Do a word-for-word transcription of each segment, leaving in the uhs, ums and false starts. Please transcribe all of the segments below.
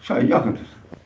Şahin yakındır.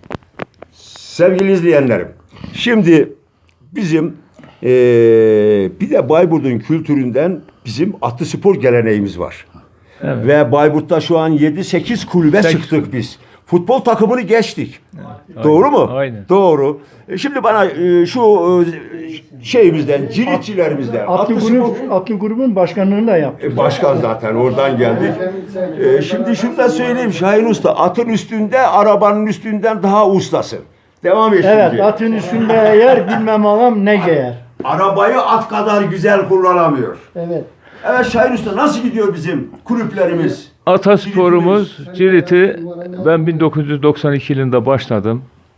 Sevgili izleyenlerim, şimdi bizim eee, bir de Bayburt'un kültüründen bizim atlı spor geleneğimiz var. Evet. Ve Bayburt'ta şu an yedi sekiz kulübe Sekiz. çıktık biz. Futbol takımını geçtik. Evet. Doğru Aynen. mu? Aynen. Doğru. E, Şimdi bana e, şu e, şeyimizden, ciritçilerimizden, Atlı, atlı grup, spor... atlı grubun başkanlığını da yaptı. E, Başkan zaten oradan geldik. E, şimdi şunu da söyleyeyim Şahin Usta, atın üstünde, arabanın üstünden daha ustasın. Devam et Evet, şimdi. atın üstünde yer bilmem ağam ne giyer. Arabayı at kadar güzel kullanamıyor. Evet. Evet Şahin Usta, nasıl gidiyor bizim kulüplerimiz? Atasporumuz Cirit'i ben bin dokuz yüz doksan iki yılında başladım.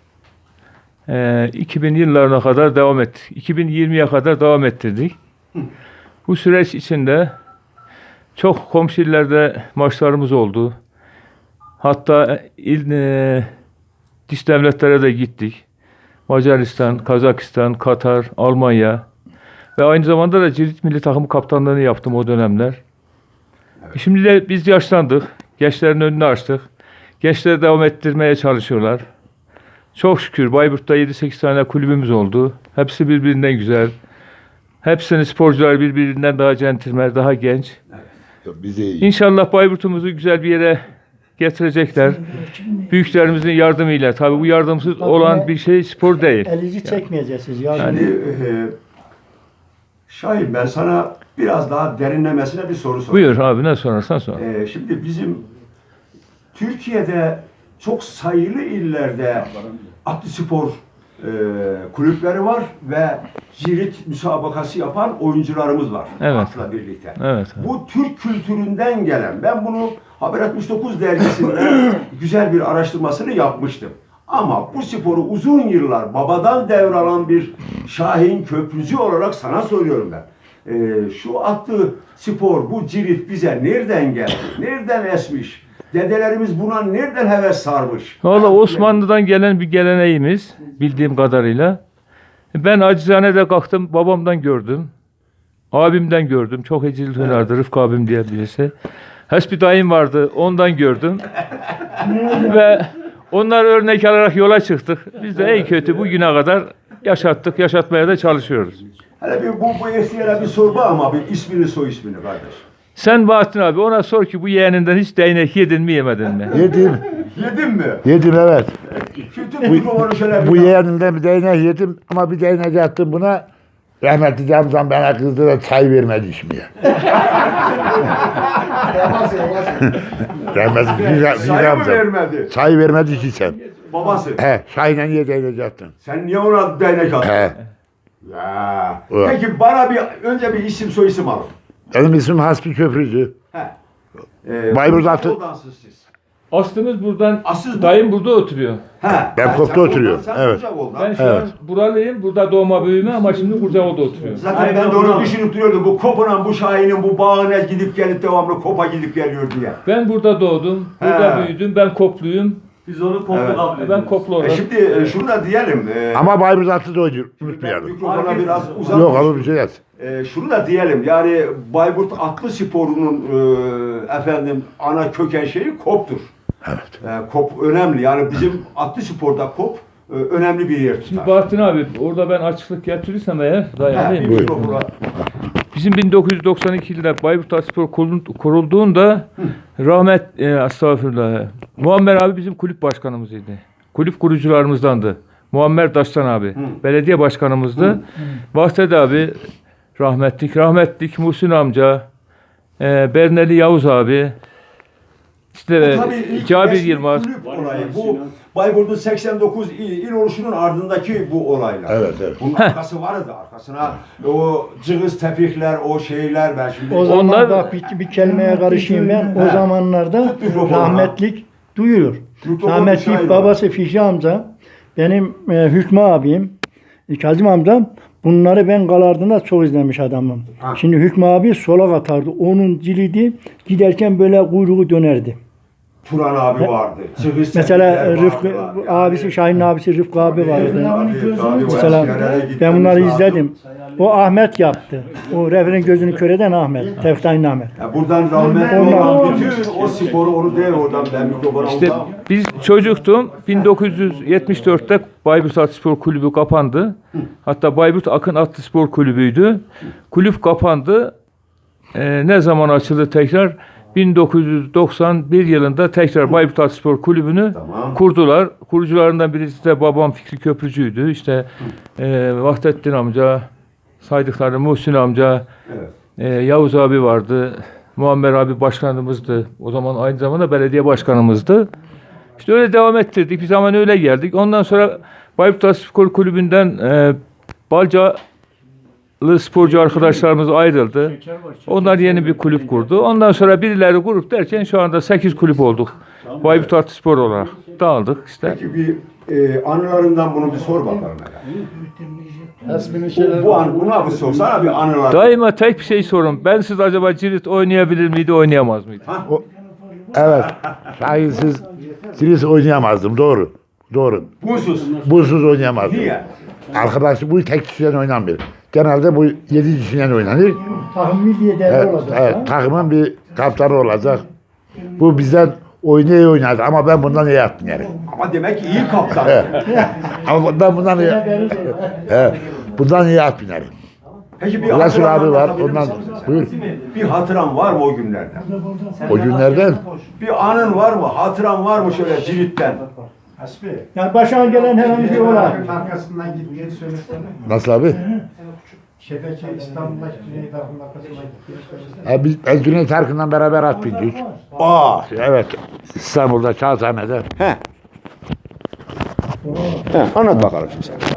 Ee, iki bin yıllarına kadar devam ettik. iki bin yirmiye kadar devam ettirdik. Bu süreç içinde çok komşu illerde maçlarımız oldu. Hatta il, e, dış devletlere de gittik. Macaristan, Kazakistan, Katar, Almanya ve aynı zamanda da Cirit milli takımı kaptanlığını yaptım o dönemler. Şimdi de biz yaşlandık. Gençlerin önünü açtık. Gençleri devam ettirmeye çalışıyorlar. Çok şükür Bayburt'ta yedi sekiz tane kulübümüz oldu. Hepsi birbirinden güzel. Hepsinin sporcular birbirinden daha centilmen, daha genç. Bize iyi. İnşallah Bayburt'umuzu güzel bir yere getirecekler. Büyüklerimizin yardımıyla. Tabii bu yardımsız olan bir şey spor değil. Elinizi çekmeyeceksiniz. Yani, Şimdi e, Şahin, ben sana biraz daha derinlemesine bir soru sorayım. Buyur abi, ne sorarsan sor. E, şimdi bizim Türkiye'de çok sayılı illerde atlı spor e, kulüpleri var ve cirit müsabakası yapan oyuncularımız var. Evet. Atla birlikte. Evet. Bu Türk kültüründen gelen, ben bunu Haber altmış dokuz dergisinde güzel bir araştırmasını yapmıştım. Ama bu sporu uzun yıllar babadan devralan bir Şahin Köprücü olarak sana soruyorum ben. Ee, şu atlı spor, bu cirit bize nereden geldi? Nereden esmiş? Dedelerimiz buna nereden heves sarmış? Valla Osmanlı'dan gelen bir geleneğimiz bildiğim kadarıyla. Ben acizane de kalktım, babamdan gördüm. Abimden gördüm. Çok ecil hünardı, Rıfkı abim diye birisi. Hasbi dayım vardı, ondan gördüm. Ve onlar örnek alarak yola çıktık. Biz de en kötü bugüne kadar yaşattık, yaşatmaya da çalışıyoruz. Hele bir bu, bu eskiye bir sorma ama bir ismini soy ismini kardeş. Sen Bahattin abi ona sor ki bu yeğeninden hiç değnek yedin mi yemedin mi? Yedim. Yedin mi? Yedim evet. Kötü mikrofonu şöyle bir... Bu yeğenimden bir değnek yedim ama bir değnek attım buna. Rahmetli Camzan bana kızdı da çay vermedi içmeye. Rahmetli Fiza- Sayı mı Camzan. vermedi? Çay vermedi ki sen. Babası. He, çayla niye değnek attın? Sen niye ona değnek attın? He. Ya. Evet. Peki bana bir önce bir isim soy isim alın. Benim ismim Hasbi Köprücü. He. Ee, Bayburt atı- Odansız siz. Aslımız buradan, Asıl bu- dayım burada oturuyor. He. Ben Ha, Kop'ta sen oturuyorum, oradan, sen evet. Kucakoğlu'dan. Ben şu Evet. an buralıyım, burada doğma büyüme ama şimdi Kurcaoğlu'da oturuyorum. Zaten ben de onu düşünüp duruyordum. Bu Kop'un, bu Şahin'in bu bağına gidip gelip devamlı Kop'a gidip geliyor diye. Ben burada doğdum, burada He. büyüdüm, ben Kopluyum. Biz onu komple Evet. kabul Ben ediyoruz. Koplu E olarak. şimdi e, şunu da diyelim. E, Ama Bayburt atı da oynuyor. ben Unutmayalım. mikrofona biraz uzak. Yok abi bir şey yaz. E, şunu da diyelim. Yani Bayburt atlı sporunun e, efendim ana köken şeyi Kop'tur. Evet. E, Kop önemli. Yani bizim atlı sporda Kop e, önemli bir yer Şimdi tutar. Bahattin abi, orada ben açıklık getirirsem eğer, He, dayanayım. bir Buyur. mikrofona. Bizim bin dokuz yüz doksan iki yılında Bayburt Atspor kurulduğunda rahmet, e, estağfurullah, Muammer abi bizim kulüp başkanımızıydı. Kulüp kurucularımızdandı. Muammer Daştan abi, belediye başkanımızdı. Bahtet abi, rahmetlik, rahmetlik Muhsin amca, e, Berneli Yavuz abi, işte Bu tabii ilk Cabir resmi Yılmaz. kulüp olayı. Bu Bayburt'un seksen dokuz il, il oluşunun ardındaki bu olaylar. Evet, evet. Bunun arkası vardı arkasına. O cılız tepikler, o şeyler ben şimdi... o zaman Onlar- bak bir, bir kelimeye karışayım ben. O He. zamanlarda Tut mikrofonu. rahmetlik duyuyor. Mikrofonu Rahmetlik dışarı babası Fikri amca, benim e, Hükmü abim, e, Kazım amcam, bunları ben Galardın'da çok izlemiş adamım. Ha. Şimdi Hükmü abi solak atardı. Onun cilidi giderken böyle kuyruğu dönerdi. Turan abi vardı. Çıkış Mesela Çelikler Rıfkı vardılar. Yani- abisi, Şahin'in abisi Rıfkı abi vardı. Tabii, tabii, o Mesela eskilere gitmemiz ben bunları lazım. izledim. O Ahmet yaptı. O Refer'in gözünü kör eden Ahmet. Tevfik Ahmet. Ya buradan rahmetli Onlar- olan bütün o sporu onu değil oradan ben mikrofona İşte ondan- biz çocuktum. bin dokuz yüz yetmiş dörtte Bayburt Atlı Spor Kulübü kapandı. Hatta Bayburt Akın Atlı Spor Kulübü'ydü. Kulüp kapandı. Ee, ne zaman açıldı tekrar? bin dokuz yüz doksan bir yılında tekrar Bayburt Atlı Spor Kulübü'nü Tamam. kurdular. Kurucularından birisi de babam Fikri Köprücü'ydü. İşte e, Vahdettin amca, saydıkları Muhsin amca, Evet. e, Yavuz abi vardı. Muammer abi başkanımızdı. O zaman aynı zamanda belediye başkanımızdı. İşte öyle devam ettirdik. Bir zaman öyle geldik. Ondan sonra Bayburt Atlı Spor Kulübü'nden e, Balcalı sporcu arkadaşlarımız ayrıldı. Onlar yeni bir kulüp kurdu. Ondan sonra birileri grup derken şu anda sekiz kulüp olduk. Bayburt Atlı Spor olarak dağıldık işte. Peki bir e, anılarından bunu bir sor bakalım. Esminin Bu, şeyleri bu an buna bir sorsana bir anılar. Daima tek bir şey sorun. Ben siz acaba cirit oynayabilir miydi, oynayamaz mıydı? Evet. Şahinsiz Cirit oynayamazdım. Doğru. Doğru. Bunsuz. Buzsuz oynayamazdım. Niye? Arkadaş bu tek kişiden oynanmıyor. Genelde bu yedi kişiden oynanır. Tahmin diye değerli Evet, olacak. evet, takımın bir kaptanı olacak. Bu bizden oynaya oynadı ama ben bundan iyi attım yani. Ama demek ki iyi kaptan. Ama ben bundan iyi, evet, bundan iyi attım yani. Peki bir Resul hatıran abi var, anlatabilir ondan misin? buyur. Bir hatıran var mı o günlerden? O günlerden Bir anın var mı? Hatıran var mı şöyle Cirit'ten? Yani başına gelen herhangi bir olay. arkasından git diye söylesene. nasıl abi? Şebeke İstanbul'daki Cüneyt Arkın arkasından git diye söylesene. Ha, biz ben Cüneyt Arkın'dan beraber at bindik. Aa. Evet, İstanbul'da Kağıthane'de. He. He, anlat bakalım şimdi sen.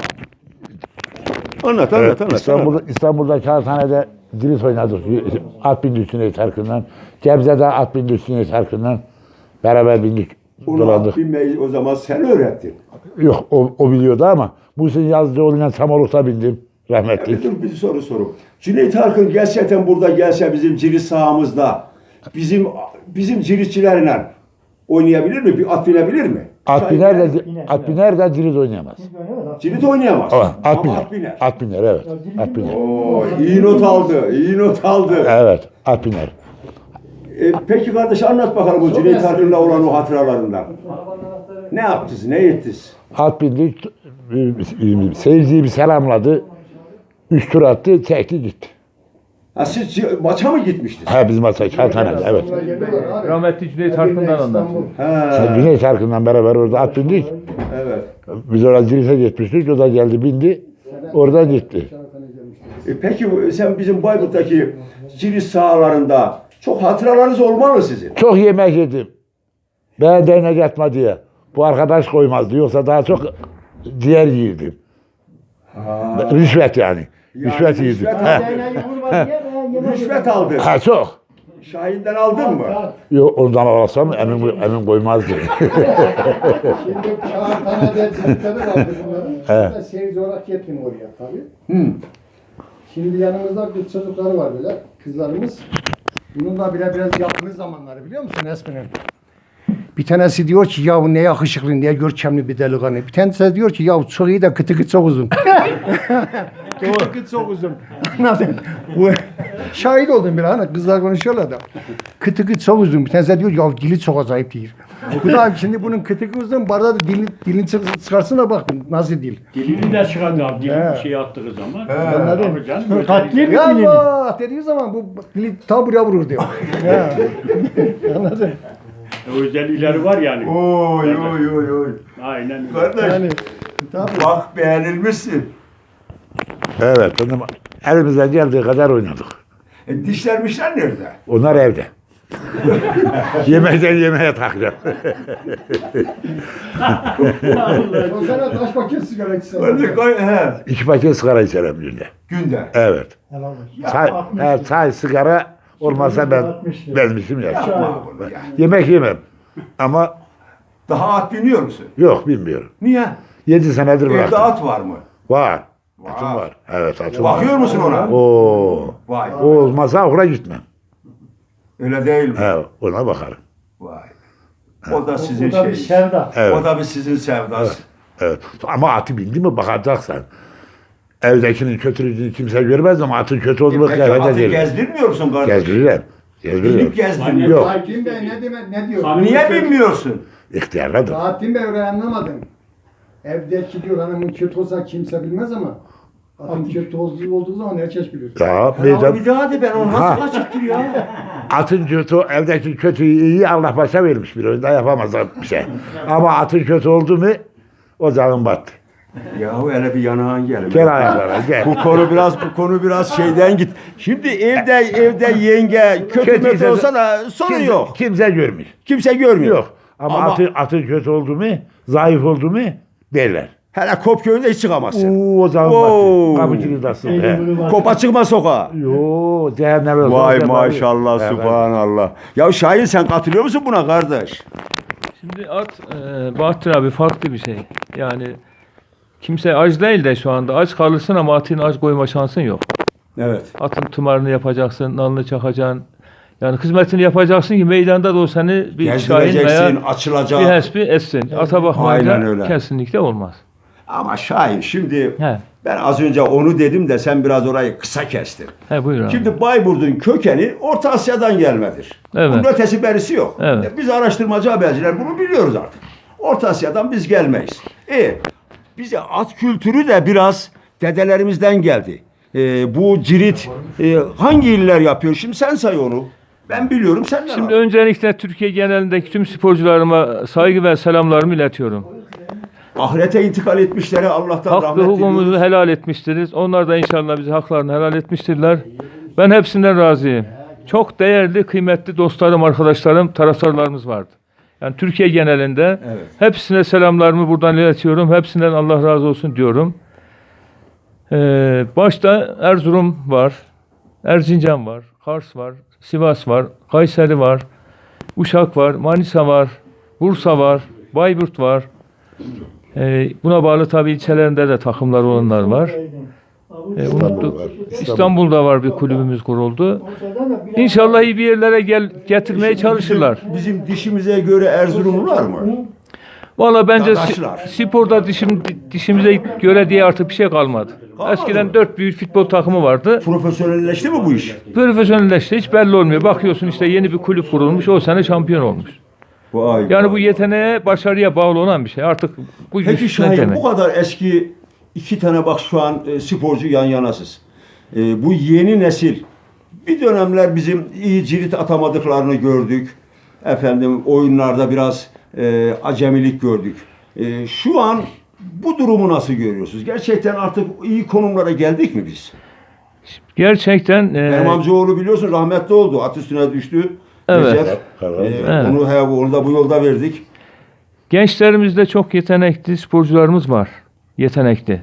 Anlat, anlat, Evet, anlat. İstanbul'da, İstanbul'da Kağıthane'de Cirit oynadık. At bindik Cüneyt Arkın'dan. Gebze'de at bindik Cüneyt Arkın'dan. Beraber bindik, Onu dolandık. bilmeyi o zaman sen öğrettin. Yok, o, o biliyordu ama Muhsin Yazıcıoğlu'yla Samoluk'ta bindim. Rahmetli. Bir dur bir soru soru. Cüneyt Arkın gerçekten burada gelse bizim Cirit sahamızda bizim bizim Ciritçilerle oynayabilir mi? Bir at binebilir mi? At biner de, at biner de Cirit oynayamaz. Cirit oynayamaz. Ama at Ama biner. at biner. At biner, evet. At biner. Oo, iyi not aldı, iyi not aldı. Evet, at biner. E, peki kardeş anlat bakalım bu Cüneyt Arkın'la olan o hatıralarından. Ne yaptınız, ne ettiniz? At bindik, seyirciyi bir selamladı. Üç tur attı, çekti gitti. Ha, siz ci- maça mı gitmiştiniz? Ha bizim maça Kağıthane'de, evet. Geliyorlar abi. Rahmetli Cüneyt Arkın'dan anlatıyor. Ha, Cüneyt Arkın'la beraber orada at bindik. evet. Biz orada Cirit'e gitmiştik, o da geldi bindi. Oradan gitti. E, peki bu- sen bizim Bayburt'taki Cirit sahalarında çok hatıralarınız olmalı sizin. Çok yemek yedim. Ben değnek yatma diye. Bu arkadaş koymazdı. Yoksa daha çok ciğer yiyirdim. Rüşvet yani. Rüşvet yiyirdim. rüşvet Ha. Rüşvet aldı. ha çok. Şahin'den aldın mı? Yok ondan alsam emin, emin koymazdı. Şimdi Kağıthane'de Ciritleri vardı bunların. Ben de seyirci olarak gittim oraya tabii. Hı. Şimdi yanımızda kız çocukları var böyle, kızlarımız. Bununla bile biraz yakın zamanları biliyor musun Esmi'nin? Bir tanesi diyor ki ya ne yakışıklı, ne görkemli bir delikanlı. Bir tanesi diyor ki ya çok iyi de kıtı kıt çok uzun. Kıtı kıt çok uzun. Anladın? Bu şahit oldum bir hani kızlar konuşuyorlar da. Kıtı kıt çok uzun. Bir tanesi diyor ya dili çok acayip değil. Bu da şimdi bunun kıtı kıt uzun. Barda da dilini, dilini çık- çıkarsın da bak nasıl dil. Dilini de çıkardı abi. Dilini He. bir şey attığı zaman. Anladın? Tabii canım. Katli mi Ya dilini? Allah dediği zaman bu dili ta buraya vurur diyor. Ya. Anladın? Özellikleri var yani. Oy oy oy oy. Aynen öyle. Kardeş Yani tabii. bak beğenilmişsin. Evet. Benim elimizden geldiği kadar oynadık. E, dişlermişler nerede? Onlar evde. Yemekten yemeğe takacağım. O sene taş paket sigara içsen. Orada koy, he. İki paket sigara içerim günde. Günde. Evet. Helal olsun. Çay, evet, çay, sigara olmazsa ben benim işim yok. Makul ya. Yemek yemem. Ama Daha at biniyor musun? yok bilmiyorum. Niye? Yedi senedir Evde bıraktım. at var mı? Var. Var. Atım var. Evet atım var. Bakıyor musun ona? Oo. Vay. O olmazsa okula gitmem. Öyle değil mi? He, ona bakarım. Vay. O da sizin O da bir şeyiniz. sevda. Evet. O da bir sizin sevdası. Evet. Ama atı bindi mi bakacaksın. Evdekinin kötülüğünü kimse görmez ama atın kötü olduğunu Peki kıyafet atı edelim. gezdirmiyor musun kardeş? Gezdiririm. Gezdiririm. Binip gezdirmiyor. Yok. Hakim Bey ne demek ne diyor? Hanım- Niye bilmiyorsun? İhtiyarladır. Hakim Bey öyle anlamadım. Evdeki diyor hanımın kötü olsa kimse bilmez ama atın kötü olduğu olduğu zaman herkes bilir. Ya Ya meydan, bir daha de ben onu Ha. nasıl açıktır ya? atın kötü, evdeki kötüyü iyi Allah başa vermiş bir oyunda yapamaz bir şey. Ama atın kötü oldu mu o zaman battı. Yahu hele bir yanağın gelin. Gel ayaklara gel. Bu konu biraz bu konu biraz şeyden git. Şimdi evde evde yenge kötü Kötüyse kötü olsa da sorun kimse, yok. Kimse görmüş. Kimse görmüyor. Yok. Ama, Ama- atın, atın kötü oldu mu, zayıf oldu mu derler. Hele Kopköy'ünde hiç çıkamazsın. Oo, o zaman Oo. battı. Kapıcılığı da sık. Kopa çıkma sokağa. Yo, cehenneme. Vay soğuk maşallah, Evet. subhanallah. Ya Şahin sen katılıyor musun buna kardeş? Şimdi at e, Bahattin abi farklı bir şey. Yani kimse aç değil de şu anda aç kalırsın ama atın aç koyma şansın yok. Evet. Atın tımarını yapacaksın, nalını çakacaksın. Yani hizmetini yapacaksın ki meydanda da o seni bir şahin veya Gezdireceksin, açılacak. bir hesbi etsin. Ata Aynen bakmayınca öyle. kesinlikle olmaz. Ama Şahin şimdi He, ben az önce onu dedim de sen biraz orayı kısa kestin. he buyur abi. Şimdi Bayburt'un kökeni Orta Asya'dan gelmedir. Evet. Bunun ötesi berisi yok. Evet. E, Biz araştırmacı haberciler bunu biliyoruz artık. Orta Asya'dan biz gelmeyiz. E, bize at kültürü de biraz dedelerimizden geldi. E, bu cirit e, hangi iller yapıyor? Şimdi sen say onu. Ben biliyorum sen de. Şimdi öncelikle Türkiye genelindeki tüm sporcularıma saygı ve selamlarımı iletiyorum. ahirete intikal etmişlere Allah'tan Hak ve rahmet hukukumuzu diliyoruz. helal etmiştiriz. Onlar da inşallah bize haklarını helal etmiştirler. Ben hepsinden razıyım. Çok değerli, kıymetli dostlarım, arkadaşlarım, taraftarlarımız vardı. Yani Türkiye genelinde Evet. hepsine selamlarımı buradan iletiyorum. Hepsinden Allah razı olsun diyorum. Ee, başta Erzurum var, Erzincan var, Kars var, Sivas var, Kayseri var, Uşak var, Manisa var, Bursa var, Bayburt var. Ee, buna bağlı tabii ilçelerinde de takımlar olanlar var. Ee, unuttuk. var. İstanbul'da var bir kulübümüz kuruldu. İnşallah iyi bir yerlere gel getirmeye çalışırlar. Bizim dişimize göre Erzurumlular mı? Valla bence si- Dadaşlar. sporda dişim, dişimize göre diye artık bir şey kalmadı. Kalmadı Eskiden mı? dört büyük futbol takımı vardı. Profesyonelleşti mi bu iş? Profesyonelleşti hiç belli olmuyor. Bakıyorsun işte yeni bir kulüp kurulmuş o sene şampiyon olmuş. Vay Yani vay. bu yeteneğe, başarıya bağlı olan bir şey. Artık bu Peki güç ne Şahin demek? bu kadar eski iki tane bak şu an e, sporcu yan yanasız. E, bu yeni nesil bir dönemler bizim iyi cirit atamadıklarını gördük. Efendim oyunlarda biraz e, acemilik gördük. E, şu an bu durumu nasıl görüyorsunuz? Gerçekten artık iyi konumlara geldik mi biz? Gerçekten e, Benim amcaoğlu biliyorsun rahmetli oldu. At üstüne düştü. Evet. Recep. Evet. E, Evet. Onu, he, onu da bu yolda verdik. gençlerimizde çok yetenekli sporcularımız var. Yetenekli.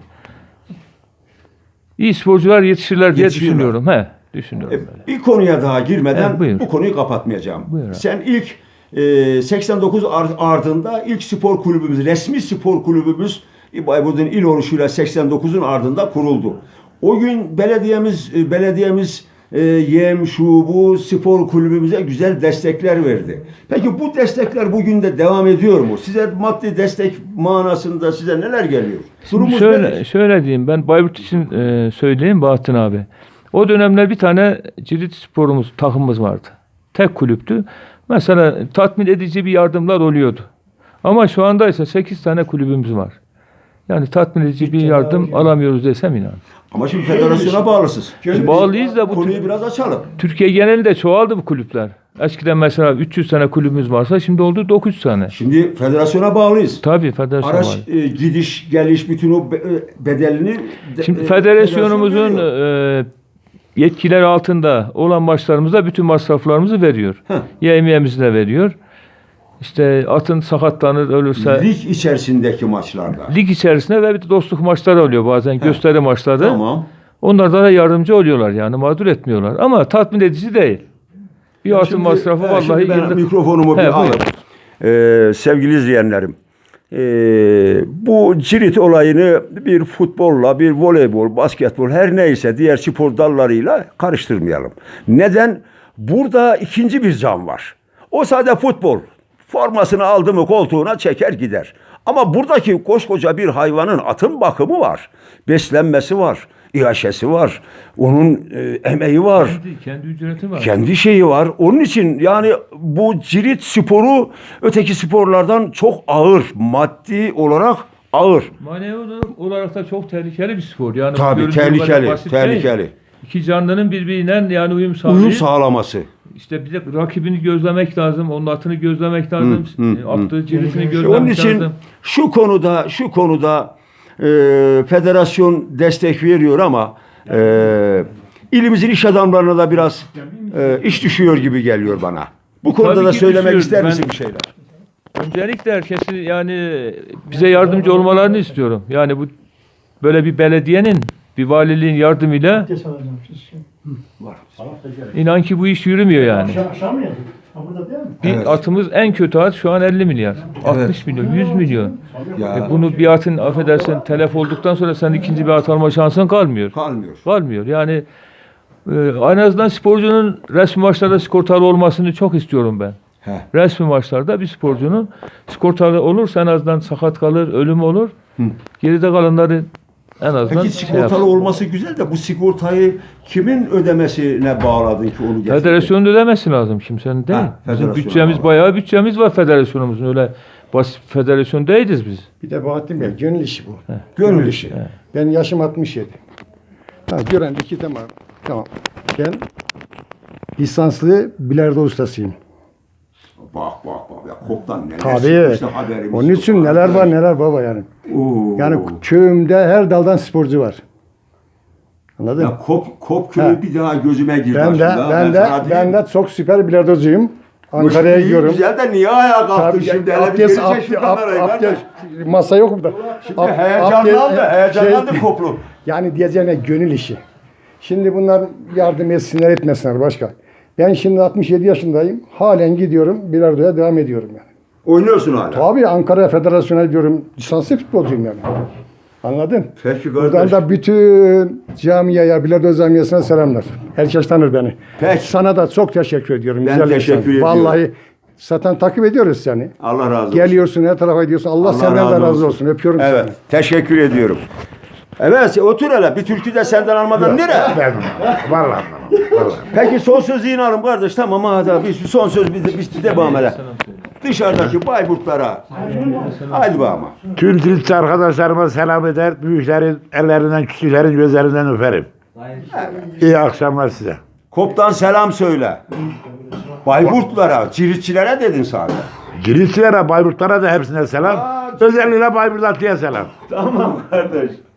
İyi sporcular yetişirler diye Yetişirler. düşünüyorum. He, düşünüyorum. E, böyle. Bir konuya daha girmeden Evet, buyur. bu konuyu kapatmayacağım. Buyur abi. Sen ilk e, seksen dokuz ar- ardında ilk spor kulübümüz, resmi spor kulübümüz Bayburt'un il oluşuyla seksen dokuzun ardında kuruldu. O gün belediyemiz e, belediyemiz e, yem şu bu spor kulübümüze güzel destekler verdi. Peki bu destekler bugün de devam ediyor mu? Size maddi destek manasında size neler geliyor? Şimdi Durumunuz şöyle, nedir? şöyle diyeyim ben Bayburt için e, söyleyeyim Bahattin abi. O dönemler bir tane cirit sporumuz, takımımız vardı. Tek kulüptü. Mesela tatmin edici bir yardımlar oluyordu. Ama şu anda ise sekiz tane kulübümüz var. Yani tatmin edici bir yardım alamıyoruz desem inan. Ama şimdi federasyona bağlısınız. Şimdi Bağlıyız da bu konuyu biraz açalım. Türkiye genelinde çoğaldı bu kulüpler. Eskiden mesela üç yüz tane kulübümüz varsa şimdi oldu dokuz yüz tane. Şimdi federasyona bağlıyız. Tabii federasyon Araç var. e, gidiş geliş bütün o be- e, bedelini de- Şimdi e, federasyonumuzun federasyon veriyor. e, yetkileri altında olan maçlarımızda bütün masraflarımızı veriyor. Heh. Yemeğimizi de veriyor. İşte atın sakatlanır, ölürse lig, lig içerisindeki maçlarda. içerisinde ve bir de dostluk maçları oluyor bazen gösteri maçları. Tamam. Onlarda da yardımcı oluyorlar yani mağdur etmiyorlar ama tatmin edici değil. Bir atın Şimdi, masrafı e, vallahi şimdi ben yıllık- mikrofonumu He, bir alayım. Ee, sevgili izleyenlerim. ee, bu cirit olayını bir futbolla, bir voleybol, basketbol her neyse diğer spor dallarıyla karıştırmayalım. Neden? Burada ikinci bir can var. O sadece futbol. Formasını aldı mı koltuğuna çeker gider. Ama buradaki koskoca bir hayvanın atın bakımı var. Beslenmesi var. İhaşesi var. Onun e, emeği var. Kendi, kendi ücreti var. Kendi şeyi var. Onun için yani bu cirit sporu öteki sporlardan çok ağır. Maddi olarak ağır. Manevi olarak da çok tehlikeli bir spor. Yani Tabii görüntü olarak tehlikeli. basit değil. Tehlikeli. İki canlının birbirinden yani uyum sağlayıp Uyum sağlaması. işte bir de rakibini gözlemek lazım, onun atını gözlemek lazım, Hı, hı, e, attığı ciritini Onun gözlemek için lazım. şu konuda şu konuda e, federasyon destek veriyor ama e, ilimizin iş adamlarına da biraz e, iş düşüyor gibi geliyor bana. Bu konuda Tabii da ki söylemek düşüyor. ister Ben- misin bir şeyler? Öncelikle herkesi yani bize yardımcı olmalarını istiyorum. Yani bu böyle bir belediyenin, bir valiliğin yardımıyla Abdest alacağım. inan ki bu iş yürümüyor yani. Akşam, akşam mı yedik? Ha, burada değil mi? Bir Evet. atımız en kötü at şu an elli milyar. altmış milyon, yüz milyon. Ya, E bunu bir atın affedersin telef olduktan sonra sen ikinci bir at alma şansın kalmıyor. kalmıyor. Kalmıyor. Yani e, en azından sporcunun resmi maçlarda sigortalı olmasını çok istiyorum ben. He. Resmi maçlarda bir sporcunun sigortalı olursa en azından sakat kalır, ölüm olur. Geride kalanları en azından Peki şey sigortalı yapsın. olması güzel de bu sigortayı kimin ödemesine bağladın ki onu getirdin? Federasyonun ödemesi lazım kimsenin değil. Ha, Bizim federasyona bütçemiz bağlı. bayağı bütçemiz var federasyonumuzun. Öyle basit federasyon değiliz biz. Bir de Bahattin Bey gönül işi bu. Gönül işi. Ben yaşım altmış yedi. Ha, gören iki tamam. Tamam. Ben lisanslı bilardo ustasıyım. Bak bak bak ya koptan neler Tabii. çıkmıştı haberimiz Onun yok. için neler var neler baba yani. Oo. Yani köyümde her daldan sporcu var. Anladın mı? Ya kop kop köyü Ha. bir daha gözüme girdi Ben de aslında. ben de sana ben diyeyim. de çok süper bilardocuyum. Bu Ankara'ya iyi, gidiyorum. Güzel de niye ayağa kalktın Tabii, şimdi? Hele bir abdest, gelecek abdest, şu kamerayı abdest, kardeş. masa yok burada. Şimdi Ab- heyecanlandı, abdest- heyecanlandı şey- koplu. Yani diyeceğine gönül işi. Şimdi bunlar yardım etsinler etmesinler başka. Ben şimdi altmış yedi yaşındayım. Halen gidiyorum bilardoya devam ediyorum yani. Oynuyorsun hala. Tabii Ankara Federasyonu'na gidiyorum. Lisanslı futbolcuyum yani. Anladın? Peki Buradan kardeş. da bütün camiaya, bilardo camiasına selamlar. Herkes tanır beni. Peki. Sana da çok teşekkür ediyorum. Ben güzel teşekkür insan. ediyorum. Vallahi zaten takip ediyoruz seni. Allah razı olsun. Geliyorsun her tarafa gidiyorsun. Allah, senden de razı olsun. Öpüyorum Evet. seni. Teşekkür ediyorum. Evet otur hele. Bir türkü de senden almadan nereye? Ben vallahi vallahi. Peki son sözü yine alın kardeş. Tamam hadi bir son söz bir de, bir de devam edelim. Dışarıdaki Bayburtlara. Haydi be ama. Tüm Türkçe arkadaşlarıma selam eder. Büyüklerin ellerinden, küçüklerin gözlerinden öperim. İyi akşamlar size. Koptan selam söyle. Bayburtlara, ciritçilere dedin sadece. Giritçilere, Bayburtlara da hepsine selam. Aa, Özellikle Bayburt Atlı'ya selam. Tamam kardeş.